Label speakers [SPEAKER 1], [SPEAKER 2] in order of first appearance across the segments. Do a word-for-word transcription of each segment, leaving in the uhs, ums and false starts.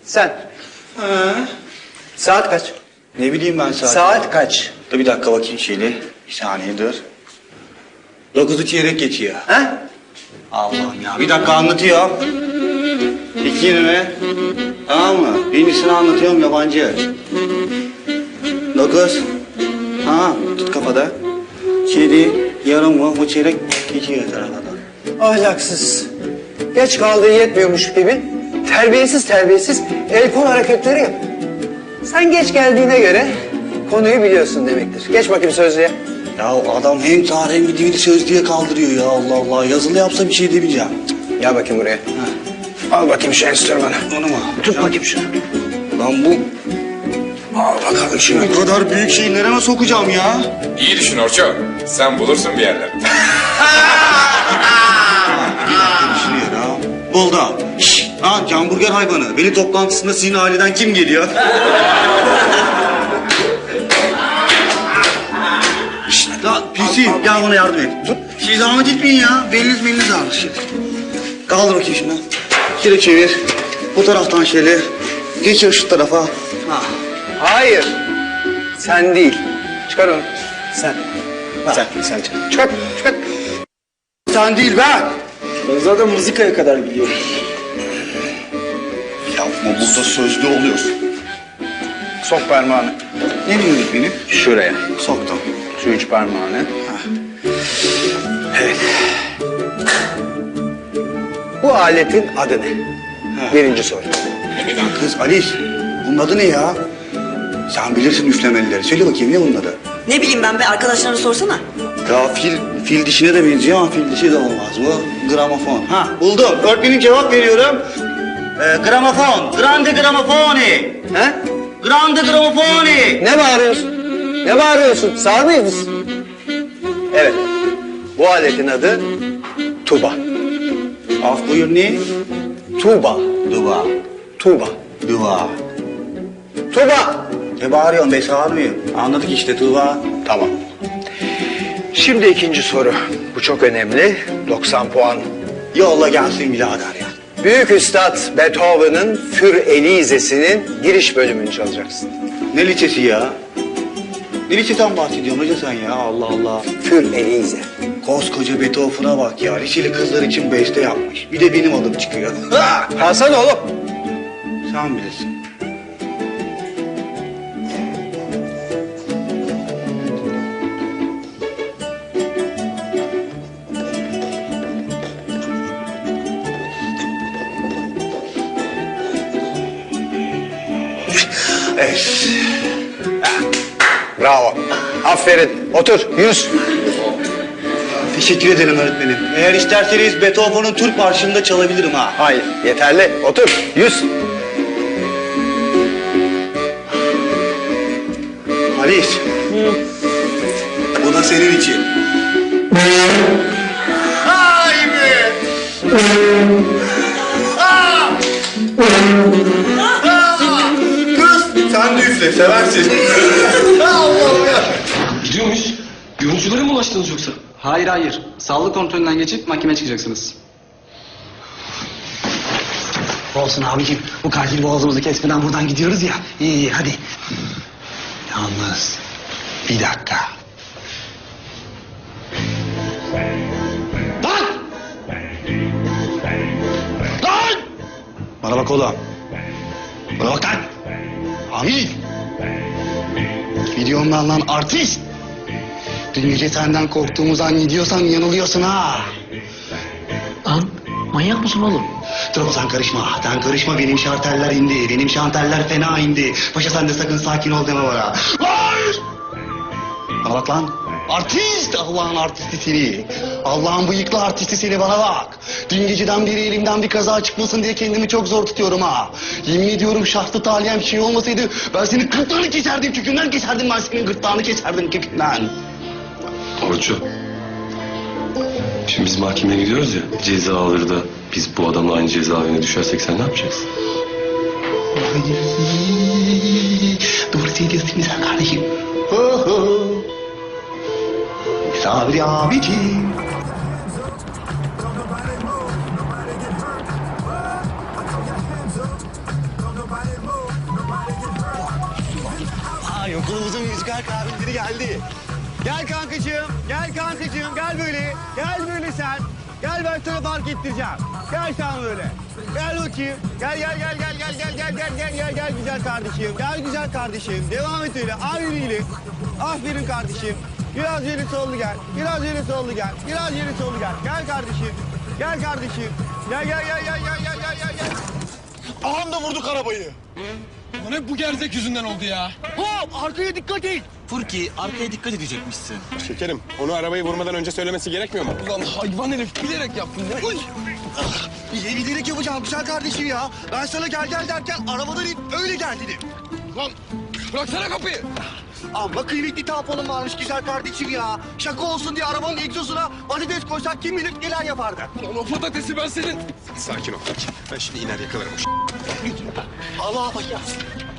[SPEAKER 1] Sen.
[SPEAKER 2] Ha.
[SPEAKER 1] Saat kaç?
[SPEAKER 2] Ne bileyim ben saat.
[SPEAKER 1] Saat kaç?
[SPEAKER 2] Dur bir dakika bakayım şeyle. Bir saniye dur. Dokuzu çeyrek geçiyor.
[SPEAKER 1] Ha?
[SPEAKER 2] Allah'ım ya bir dakika anlatıyorum. İki yirmi. Tamam mı? Birincisini anlatıyorum yabancı. Dokuz. Ha tut kafada. Yedi. Yarım mı? Bu çeyrek geçiyor tarafadan.
[SPEAKER 1] Ahlaksız. Geç kaldığı yetmiyormuş gibi terbiyesiz terbiyesiz el kol hareketleri yap. Sen geç geldiğine göre konuyu biliyorsun demektir. Geç bakayım sözlüğe.
[SPEAKER 2] Ya adam hem tarih hem bir dili sözlüğe kaldırıyor ya Allah Allah. Yazılı yapsa bir şey demeyeceğim.
[SPEAKER 1] Gel bakayım buraya.
[SPEAKER 2] Ha.
[SPEAKER 1] Al bakayım şu enstrümanı.
[SPEAKER 2] Onu mu?
[SPEAKER 1] Tut bakayım şunu.
[SPEAKER 2] Lan bu... Al bakalım şunu. Bu kadar büyük şeyi nereye sokacağım ya?
[SPEAKER 3] İyi düşün Orço. Sen bulursun bir yerler.
[SPEAKER 2] Düşünüyor ha. Buldum. Şşş. Lan hamburger hayvanı. Veli toplantısında sizin aileden kim geliyor? Şşş. Lan P C gel bana yardım et. Tut. Şey zahmet etmeyin ya. Beliniz beliniz ağrır. Şey. Kaldır bakayım şunu. Şöyle çevir. Bu taraftan şöyle. Geçir şu tarafa. Ha.
[SPEAKER 1] Hayır. Sen değil. Çıkar onu. Sen. Ha.
[SPEAKER 2] Sen, sen çık.
[SPEAKER 1] Çıkar, çıkar.
[SPEAKER 2] Sen değil ben.
[SPEAKER 4] Ben zaten mızıkaya kadar biliyorum.
[SPEAKER 2] Yapma burada sözlü oluyorsun.
[SPEAKER 1] Sok parmağını.
[SPEAKER 2] Ne diyorsun benim?
[SPEAKER 1] Şuraya.
[SPEAKER 2] Soktum.
[SPEAKER 1] Şu üç parmağını. Evet. Bu aletin adı ne?
[SPEAKER 2] Ha.
[SPEAKER 1] Birinci soru.
[SPEAKER 2] Lan kız Alice, bunun adı ne ya? Sen bilirsin üflemelileri. Söyle bakayım ne bunun adı?
[SPEAKER 5] Ne bileyim ben be, arkadaşlarına sorsana.
[SPEAKER 2] Ya fil, fil dişine de benziyor ama fil dişi de olmaz. Bu gramofon. Ha buldum. Öğretmenim cevap veriyorum. Ee, gramofon. Grande gramofoni.
[SPEAKER 1] Ha?
[SPEAKER 2] Grande gramofoni.
[SPEAKER 1] Ne bağırıyorsun? Ne bağırıyorsun? Sağır mıyız? Evet. Bu aletin adı tuba.
[SPEAKER 2] Af buyur ne?
[SPEAKER 1] Tuba.
[SPEAKER 2] Duva.
[SPEAKER 1] Tuba.
[SPEAKER 2] Duva.
[SPEAKER 1] Tuba.
[SPEAKER 2] Ne bağırıyorsun be sağırmıyor. Anladık işte Tuva.
[SPEAKER 1] Tamam. Şimdi ikinci soru. Bu çok önemli. doksan puan.
[SPEAKER 2] Yolla gelsin birader ya.
[SPEAKER 1] Büyük Üstad Beethoven'ın Für Elise'sinin giriş bölümünü çalacaksın.
[SPEAKER 2] Ne liçesi ya? Ne liçeden bahsediyorsun hoca sen ya Allah Allah.
[SPEAKER 1] Für Elise.
[SPEAKER 2] Koskoca Beethoven'a bak ya. Liçeli kızlar için beste yapmış. Bir de benim adım çıkıyor. Ha!
[SPEAKER 1] Hasan oğlum.
[SPEAKER 2] Sen bilirsin.
[SPEAKER 1] Evet. Bravo. Aferin. Otur. Yüz.
[SPEAKER 2] Teşekkür ederim öğretmenim. Eğer isterseniz Beethoven'ın Türk Marşı'nı da çalabilirim ha.
[SPEAKER 1] Hayır. Yeterli. Otur. Yüz.
[SPEAKER 2] Alice. Bu da senin için. Ay be! Aa! Aa! Kız sen de üfle seversin. Allah'ım ya.
[SPEAKER 4] Gidiyor muyuz? Görüntülere mi ulaştınız yoksa?
[SPEAKER 6] Hayır hayır. Sağlık kontrolünden geçip mahkemeye çıkacaksınız.
[SPEAKER 7] Olsun abicim. Bu katil boğazımızı kesmeden buradan gidiyoruz ya. İyi iyi hadi. Yalnız bir dakika. Lan! Lan! Bana bak oğlum. Bana bak lan. Amil. Videomdan lan artist. Dün gece senden korktuğumuzdan gidiyorsan yanılıyorsun ha.
[SPEAKER 8] Lan manyak mısın oğlum?
[SPEAKER 7] Dur sen karışma. Sen karışma benim şarteller indi. Benim şarteller fena indi. Paşa sen de sakın sakin ol deme bana. Hayır! Bana bak lan. Artist! Allah'ın artisti seni. Allah'ın bıyıklı artisti seni bana bak. Dün geceden beri elimden bir kaza çıkmasın diye kendimi çok zor tutuyorum ha. Yemin ediyorum şahsı talihim bir şey olmasaydı ben senin gırtlağını keserdim kökünden keserdim ben senin gırtlağını keserdim kökünden.
[SPEAKER 4] Orço. Şimdi biz mahkemeye gidiyoruz ya. Ceza alır da biz bu adamla aynı cezaevine düşersek sen ne yapacaksın?
[SPEAKER 7] Doğru söylüyorsun güzel kardeşim. Ho ho. Sabri abiciğim. güzel kahvim biri geldi. Gel kankacığım, gel kankacığım, gel böyle. Gel böyle sen. Gel ben sana fark ettireceğim. Gel sen böyle. Gel bakayım. Gel gel gel gel gel gel gel gel gel gel gel güzel kardeşim. Gel güzel kardeşim. Devam et öyle. Aferin iyilik. Aferin kardeşim. Biraz yeri sollu gel. Biraz yeri sollu gel. Biraz yeri sollu gel. Gel kardeşim. Gel kardeşim. Gel gel gel gel gel gel gel gel gel.
[SPEAKER 9] Ağam da vurduk arabayı. Ulan hep bu gerzek yüzünden oldu ya.
[SPEAKER 7] Hop arkaya dikkat et.
[SPEAKER 2] Furki arkaya dikkat edecekmişsin.
[SPEAKER 9] Şekerim, onu arabayı vurmadan önce söylemesi gerekmiyor mu? Ulan hayvan herif bilerek yaptın ya. Uy!
[SPEAKER 7] Bile bilerek yapacağım güzel kardeşim ya. Ben sana gel gel derken arabadan in öyle gel dedim.
[SPEAKER 9] Lan bıraksana kapıyı.
[SPEAKER 7] Amma kıymetli tamponum varmış güzel kardeşim ya. Şaka olsun diye arabanın egzozuna patates koysak kim bilir neler yapardı.
[SPEAKER 9] Ulan o patatesi ben senin. Sakin ol. Ben şimdi iner yakalarım.
[SPEAKER 7] Allah bak ya.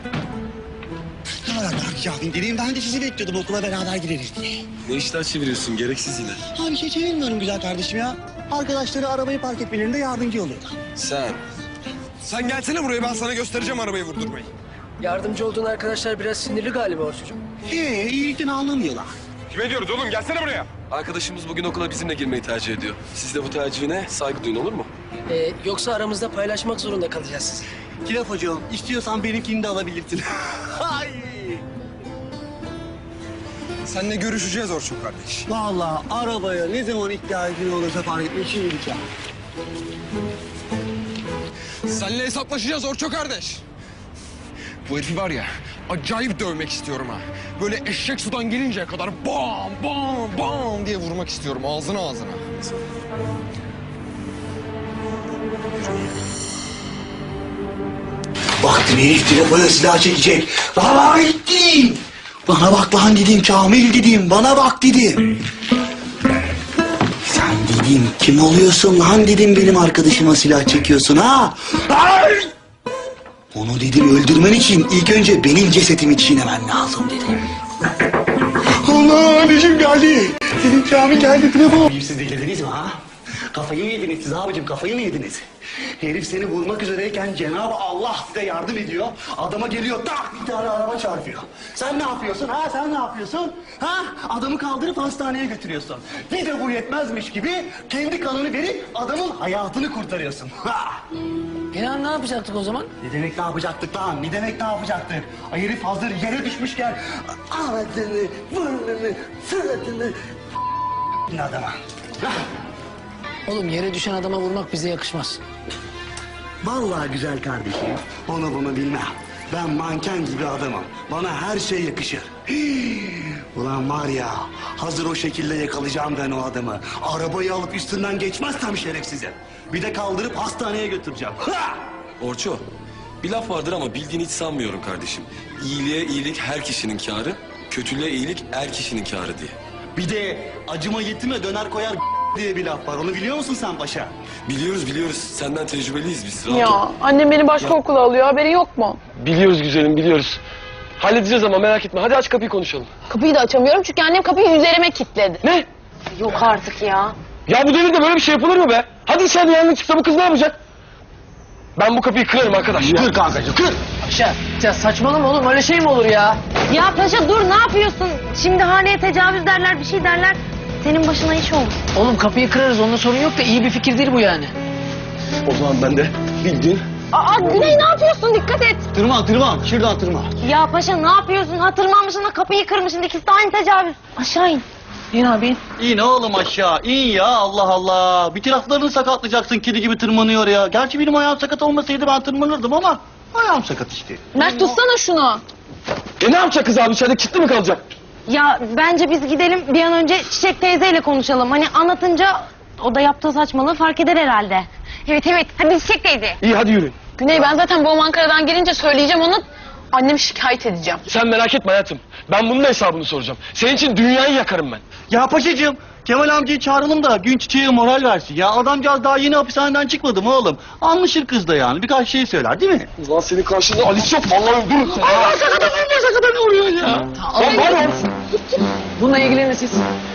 [SPEAKER 7] Ne kadar Berkşah'ın dediğim ben de sizi bekliyordum okula beraber gireriz diye.
[SPEAKER 4] Ne işler çeviriyorsun gereksiz yine.
[SPEAKER 7] Ha bir şey çevirmiyorum güzel kardeşim ya. Arkadaşları arabayı park etmelerinde yardımcı oluyorlar.
[SPEAKER 4] Sen.
[SPEAKER 9] Sen gelsene buraya, ben sana göstereceğim arabayı vurdurmayı.
[SPEAKER 8] Yardımcı olduğun arkadaşlar biraz sinirli galiba Orçucuğum.
[SPEAKER 7] Ee iyilikten anlamıyorlar.
[SPEAKER 9] Kime diyoruz oğlum? Gelsene buraya.
[SPEAKER 4] Arkadaşımız bugün okula bizimle girmeyi tercih ediyor. Siz de bu tercihine saygı duyun olur mu?
[SPEAKER 8] Ee, yoksa aramızda paylaşmak zorunda kalacağız sizi.
[SPEAKER 7] Kilaf hocam istiyorsan benimkini de alabilirsin. Ay.
[SPEAKER 9] Seninle görüşeceğiz Orçun kardeş.
[SPEAKER 7] Vallahi arabaya ne zaman ihtiyacın olursa fark etme için gideceğim.
[SPEAKER 9] Seninle hesaplaşacağız Orçun kardeş. Bu herifi var ya, acayip dövmek istiyorum ha. Böyle eşek sudan gelinceye kadar bam bam bam diye vurmak istiyorum ağzına ağzına.
[SPEAKER 7] Baktım herif telefona silah çekecek. Vallahi gittim. Bana bak lan dedim Kamil dedim. Bana bak dedim. Sen dedim kim oluyorsun lan dedim benim arkadaşıma silah çekiyorsun ha. Ay! Onu dedim öldürmen için ilk önce benim cesetimi çiğnemen lazım dedim. Allah anneciğim geldi. Dedim Kamil geldi telefon. Siz delirdiniz mi ha? Kafayı mı yediniz siz abicim kafayı mı yediniz? Herif seni vurmak üzereyken Cenab-ı Allah size yardım ediyor. Adama geliyor tak bir tane araba çarpıyor. Sen ne yapıyorsun ha sen ne yapıyorsun? Ha adamı kaldırıp hastaneye götürüyorsun. Bir de bu yetmezmiş gibi kendi kanını verip adamın hayatını kurtarıyorsun. Ha.
[SPEAKER 8] İnan ne yapacaktık o zaman?
[SPEAKER 7] Ne demek ne yapacaktık lan? Ne demek ne yapacaktık? Ay herif hazır yere düşmüşken ağzını, burnunu, suratını adama. Ha.
[SPEAKER 8] Oğlum yere düşen adama vurmak bize yakışmaz.
[SPEAKER 7] Vallahi güzel kardeşim, onu bunu bilmem. Ben manken gibi adamım. Bana her şey yakışır. Hii, ulan var ya, hazır o şekilde yakalayacağım ben o adamı. Arabayı alıp üstünden geçmezsem şerefsize. Bir de kaldırıp hastaneye götüreceğim. Ha!
[SPEAKER 4] Orço, bir laf vardır ama bildiğini hiç sanmıyorum kardeşim. İyiliğe iyilik her kişinin kârı, kötülüğe iyilik er kişinin kârı diye.
[SPEAKER 7] Bir de acıma yetime döner koyar diye bir laf var. Onu biliyor musun sen paşa?
[SPEAKER 4] Biliyoruz biliyoruz. Senden tecrübeliyiz biz. Rahat ol.
[SPEAKER 10] Ya annem beni başka okula alıyor haberi yok mu?
[SPEAKER 11] Biliyoruz güzelim biliyoruz. Halledeceğiz ama merak etme. Hadi aç kapıyı konuşalım.
[SPEAKER 10] Kapıyı da açamıyorum çünkü annem kapıyı üzerime kilitledi.
[SPEAKER 11] Ne?
[SPEAKER 10] Yok artık ya.
[SPEAKER 11] Ya bu devirde böyle bir şey yapılır mı be? Hadi içeride yangın çıksa bu kız ne yapacak? Ben bu kapıyı kırarım arkadaş.
[SPEAKER 7] Kır kankacığım kır.
[SPEAKER 8] Paşa ya saçmalama oğlum öyle şey mi olur ya?
[SPEAKER 10] Ya paşa dur ne yapıyorsun? Şimdi haneye tecavüz derler bir şey derler. Senin başına iş olur.
[SPEAKER 8] Oğlum kapıyı kırarız onda sorun yok da iyi bir fikir değil bu yani.
[SPEAKER 11] O zaman ben de bildiğin.
[SPEAKER 10] Aa Güney ne yapıyorsun dikkat et.
[SPEAKER 7] Tırman tırman şuradan tırman.
[SPEAKER 10] Ya paşa ne yapıyorsun? Hatırlanmışsın da kapıyı kırmışsın ikisi de aynı tecavüz. Aşağı in.
[SPEAKER 8] İn abi in.
[SPEAKER 7] İn oğlum aşağı in ya Allah Allah. Bir taraflarını sakatlayacaksın kedi gibi tırmanıyor ya. Gerçi benim ayağım sakat olmasaydı ben tırmanırdım ama ayağım sakat işte.
[SPEAKER 10] Mert tutsana şunu.
[SPEAKER 11] E ne yapacak kız abi içeride kilitli mi kalacak?
[SPEAKER 10] Ya bence biz gidelim bir an önce Çiçek teyzeyle konuşalım. Hani anlatınca o da yaptığı saçmalığı fark eder herhalde. Evet evet hadi Çiçek teyze.
[SPEAKER 11] İyi hadi yürüyün.
[SPEAKER 10] Güney ben zaten babam Ankara'dan gelince söyleyeceğim ona. Annemi şikayet edeceğim.
[SPEAKER 11] Sen merak etme hayatım. Ben bunun da hesabını soracağım. Senin için dünyayı yakarım ben.
[SPEAKER 7] Ya paşacığım Kemal amcayı çağıralım da gün çiçeğe moral versin. Ya adamcağız daha yeni hapishaneden çıkmadı mı oğlum? Anlaşır kız da yani birkaç şey söyler değil mi?
[SPEAKER 11] Ulan senin karşında Alice yok. Vallahi öldürürsün.
[SPEAKER 7] Allah sakata vurma sakata ne vuruyor ya?
[SPEAKER 11] Lan var ya.
[SPEAKER 8] Bununla ilgilenin siz.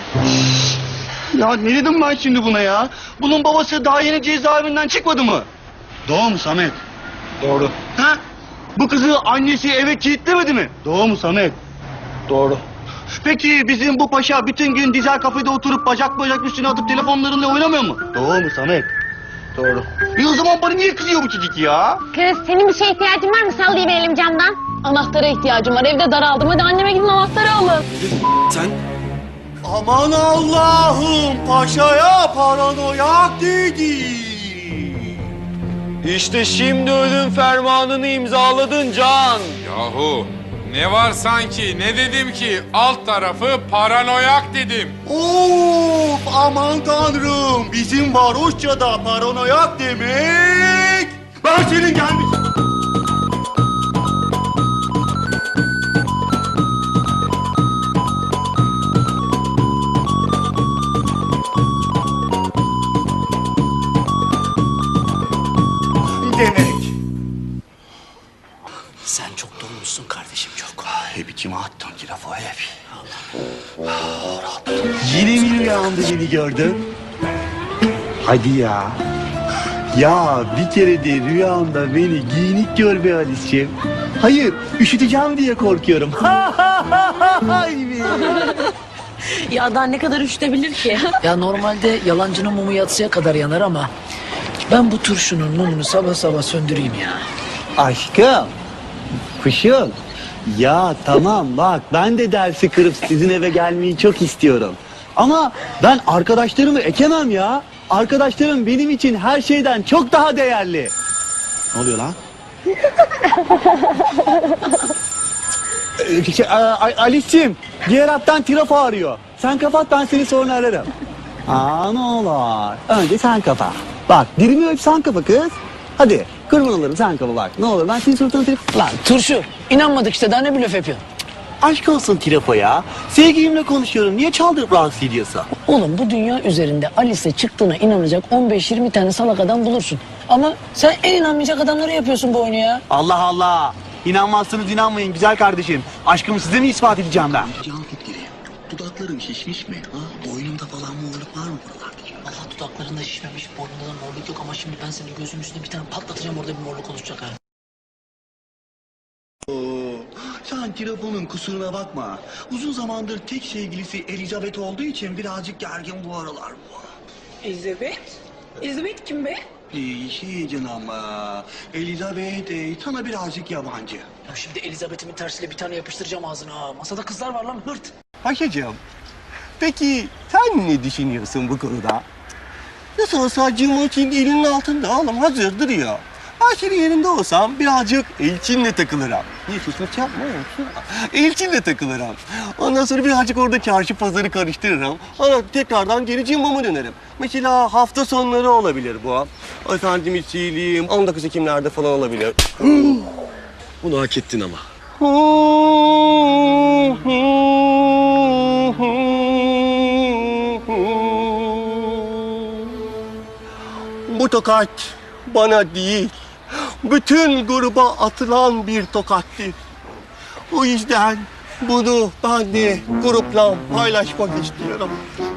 [SPEAKER 7] Ya ne dedim ben şimdi buna ya? Bunun babası daha yeni cezaevinden çıkmadı mı? Doğru mu Samet?
[SPEAKER 11] Doğru.
[SPEAKER 7] Ha? Bu kızı annesi eve kilitlemedi mi? Doğru mu Samet?
[SPEAKER 11] Doğru.
[SPEAKER 7] Peki bizim bu paşa bütün gün dizel kafede oturup bacak bacak üstüne atıp telefonlarıyla oynamıyor mu? Doğru mu Samet?
[SPEAKER 11] Doğru.
[SPEAKER 7] E o zaman bana niye kızıyor bu çocuk ya?
[SPEAKER 10] Kız senin bir şeye ihtiyacın var mı? Sallayıverelim camdan. Anahtara ihtiyacım var. Evde daraldım. Hadi anneme gidin anahtarı alın.
[SPEAKER 11] Sen
[SPEAKER 7] Aman Allah'ım paşaya paranoyak dedi.
[SPEAKER 11] işte şimdi ölüm fermanını imzaladın Can.
[SPEAKER 3] Yahu ne var sanki, ne dedim ki? Alt tarafı paranoyak dedim.
[SPEAKER 7] Of aman tanrım bizim varoşçada paranoyak demek. Ben senin gelmiş. Demek.
[SPEAKER 8] Sen çok dolmuşsun kardeşim çok.
[SPEAKER 7] Hep içime attın ki lafı hep. Yine mi rüyamda beni gördün? Hadi ya. Ya bir kere de rüyamda beni giyinik gör be Alice'ciğim. Hayır, üşüteceğim diye korkuyorum. Ha ha ha ha hay be.
[SPEAKER 5] Ya daha ne kadar üşütebilir ki?
[SPEAKER 8] Ya normalde yalancının mumu yatsıya kadar yanar ama ben bu turşunun mumunu sabah sabah söndüreyim ya.
[SPEAKER 7] Aşkım, kuşum. Ya tamam bak ben de dersi kırıp sizin eve gelmeyi çok istiyorum. Ama ben arkadaşlarımı ekemem ya. Arkadaşlarım benim için her şeyden çok daha değerli. Ne oluyor lan? Ee, şey, a- a- Alice'cim diğer hattan trafo arıyor. Sen kapat ben seni sonra ararım. Aa ne olur. Önce sen kapa. Bak dilimi öp sen kapa kız. Hadi kurban olurum sen kapa bak. Ne olur ben senin suratına trafo...
[SPEAKER 8] Lan turşu inanmadık işte daha ne blöf yapıyorsun?
[SPEAKER 7] Aşk olsun trafo ya. Sevgilimle konuşuyorum. Niye çaldırıp rahatsız ediyorsun?
[SPEAKER 8] Oğlum bu dünya üzerinde Alice'e çıktığına inanacak on beş yirmi tane salak adam bulursun. Ama sen en inanmayacak adamları yapıyorsun bu oyunu ya.
[SPEAKER 7] Allah Allah. İnanmazsınız inanmayın güzel kardeşim. Aşkımı size mi ispat edeceğim ben?
[SPEAKER 12] Can Fikri, dudaklarım şişmiş mi? Ha? Boynumda falan morluk var mı buralarda?
[SPEAKER 8] Allah dudaklarında şişmemiş, boynunda da morluk yok ama şimdi ben senin gözünün üstüne bir tane patlatacağım orada bir morluk oluşacak ha.
[SPEAKER 7] Oo, sen Trafo'nun kusuruna bakma. Uzun zamandır tek sevgilisi Elizabeth olduğu için birazcık gergin bu aralar bu.
[SPEAKER 5] Elizabeth? Elizabeth kim be?
[SPEAKER 7] Ee, şey canım, ee, Elizabeth ee, sana birazcık yabancı.
[SPEAKER 8] Ya şimdi Elizabeth'imin tersiyle bir tane yapıştıracağım ağzına ha. Masada kızlar var lan hırt.
[SPEAKER 7] Paşacığım, peki sen ne düşünüyorsun bu konuda? Nasıl olsa Cimoç'in elinin altında oğlum hazır duruyor. Ben senin yerinde olsam birazcık Elçin'le takılırım. Niye susmuş yapma oğlum? Elçin'le takılırım. Ondan sonra birazcık orada çarşı pazarı karıştırırım. Sonra tekrardan geri Cimbo'ma dönerim. Mesela hafta sonları olabilir bu. Efendim içiyim, on dokuz Ekimlerde falan olabilir.
[SPEAKER 11] Bunu hak ettin ama.
[SPEAKER 7] Bu tokat bana değil, bütün gruba atılan bir tokattır. O yüzden bunu ben de grupla paylaşmak istiyorum.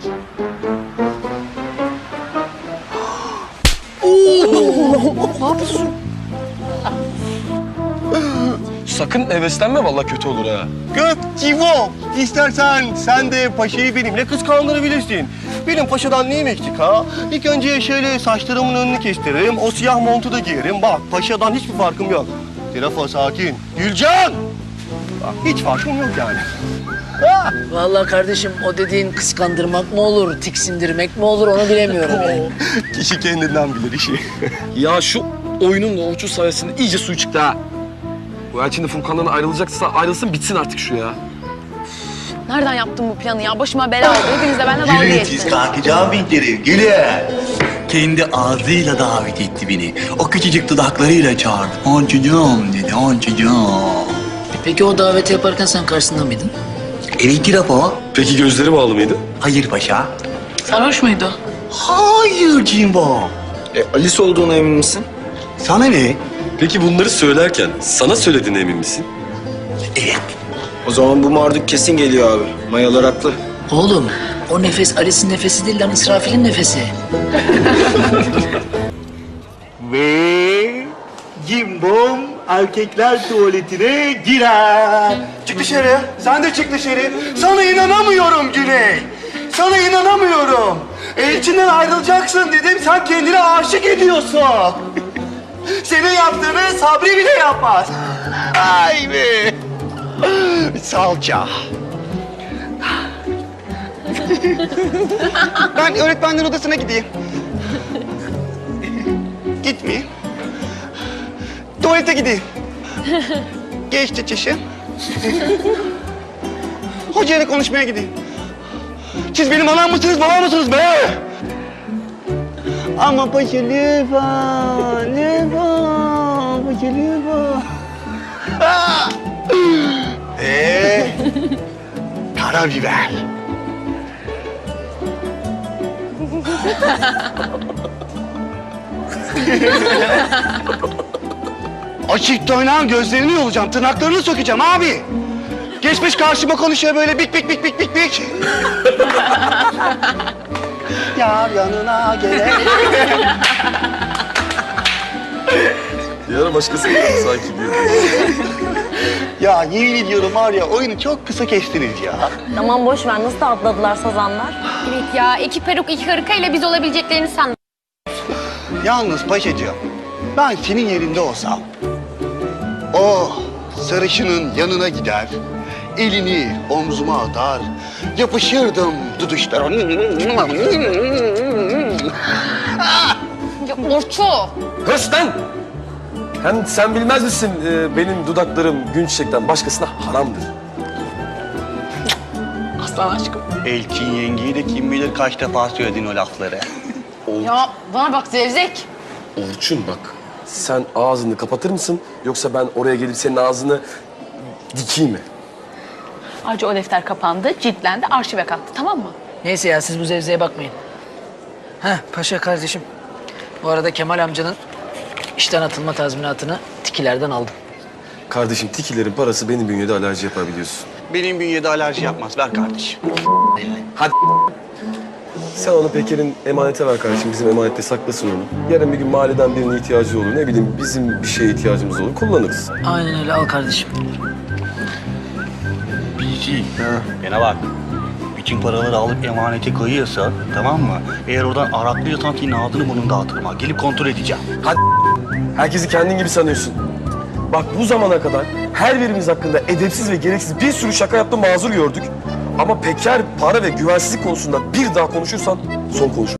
[SPEAKER 11] Sakın heveslenme vallahi kötü olur ha.
[SPEAKER 7] Gök Civo, istersen sen de paşayı benimle kıskandırabilirsin. Benim paşadan neyim eksik ha? İlk önce şöyle saçlarımın önünü kestiririm, o siyah montu da giyerim. Bak paşadan hiçbir farkım yok. Trafo sakin. Gülcan! Bak hiç farkım yok yani. Ha!
[SPEAKER 8] Vallahi kardeşim o dediğin kıskandırmak mı olur, tiksindirmek mi olur onu bilemiyorum yani.
[SPEAKER 7] Kişi kendinden bilir işi.
[SPEAKER 11] Ya şu oyunun da uçu sayesinde iyice suyu çıktı ha. Bu Elçin de Furkan'dan ayrılacaksa ayrılsın bitsin artık şu ya.
[SPEAKER 10] Nereden yaptın bu planı ya? Başıma bela oldu. Hepiniz de benimle dalga
[SPEAKER 12] Gülün siz
[SPEAKER 10] geçtiniz.
[SPEAKER 12] kalkacağım bindirim, gülün. Kendi ağzıyla davet etti beni. O küçücük dudaklarıyla çağırdı. Oncucuğum dedi, oncucuğum.
[SPEAKER 8] Peki o daveti yaparken sen karşısında mıydın?
[SPEAKER 12] Evet Trafo.
[SPEAKER 11] Peki gözleri bağlı mıydı?
[SPEAKER 12] Hayır paşa.
[SPEAKER 8] Sarhoş muydu?
[SPEAKER 12] Hayır Cimbo.
[SPEAKER 11] E, Alice olduğuna emin misin?
[SPEAKER 12] Sana ne?
[SPEAKER 11] Peki bunları söylerken sana söylediğine emin misin?
[SPEAKER 12] Evet.
[SPEAKER 13] O zaman bu marduk kesin geliyor abi. Mayalar haklı.
[SPEAKER 8] Oğlum o nefes Alice'in nefesi değil lan İsrafil'in nefesi.
[SPEAKER 7] Ve Cimbom erkekler tuvaletine girer. Çık dışarı. Sen de çık dışarı. Sana inanamıyorum Güney. Sana inanamıyorum. Elçinden ayrılacaksın dedim. Sen kendine aşık ediyorsun. Senin yaptığını Sabri bile yapmaz. Ay be. Salça. Ben öğretmenlerin odasına gideyim. Gitmeyeyim. Tuvalete gideyim. Geçti çişi. Hocayla konuşmaya gideyim. Siz benim anam mısınız, babam mısınız be? Ama paşa lütfen, lütfen, paşa lütfen. Eee, karabiber. Açıkta oynayan gözlerini yolacağım, tırnaklarını sökeceğim abi. Geçmiş karşıma konuşuyor böyle bik bik bik bik bik bik. Yar yanına gele.
[SPEAKER 11] Bir ara başkası geldi sanki diyor.
[SPEAKER 7] Ya yemin ediyorum var ya oyunu çok kısa kestiniz ya.
[SPEAKER 10] Tamam boş ver, nasıl da atladılar sazanlar.
[SPEAKER 14] Evet ya, iki peruk iki hırka ile biz olabileceklerini sandım.
[SPEAKER 7] Yalnız paşacığım, ben senin yerinde olsam... ...o sarışının yanına gider, elini omzuma atar, yapışırdım duduşlara.
[SPEAKER 14] Ya Orço.
[SPEAKER 11] Höst lan! Hem sen bilmez misin e, benim dudaklarım gün çiçekten başkasına haramdır.
[SPEAKER 8] Aslan aşkım.
[SPEAKER 7] Elçin yengeyi de kim bilir kaç defa söyledin o lafları.
[SPEAKER 14] Ya bana bak Zevzek.
[SPEAKER 11] Orçun bak, sen ağzını kapatır mısın yoksa ben oraya gelip senin ağzını dikeyim mi?
[SPEAKER 14] Ayrıca o defter kapandı, ciltlendi, arşive kalktı, tamam mı?
[SPEAKER 8] Neyse ya siz bu zevzeye bakmayın. Heh paşa kardeşim. Bu arada Kemal amcanın işten atılma tazminatını tikilerden aldım.
[SPEAKER 11] Kardeşim tikilerin parası benim bünyede alerji yapar biliyorsun.
[SPEAKER 7] Benim bünyede alerji yapmaz, ver kardeşim.
[SPEAKER 11] Hadi. Sen onu Peker'in emanete ver kardeşim. Bizim emanette saklasın onu. Yarın bir gün mahalleden birine ihtiyacı olur. Ne bileyim bizim bir şeye ihtiyacımız olur. Kullanırız.
[SPEAKER 8] Aynen öyle al kardeşim.
[SPEAKER 7] Bilgi. Bana bak. Bütün paraları alıp emanete koyuyorsa, tamam mı? Eğer oradan araklıyorsan senin ağzını burnunu dağıtırım ha. Gelip kontrol edeceğim.
[SPEAKER 11] Hadi. Herkesi kendin gibi sanıyorsun. Bak bu zamana kadar her birimiz hakkında edepsiz ve gereksiz bir sürü şaka yaptım, mazur gördük. Ama Peker para ve güvensizlik konusunda bir daha konuşursan son konuş.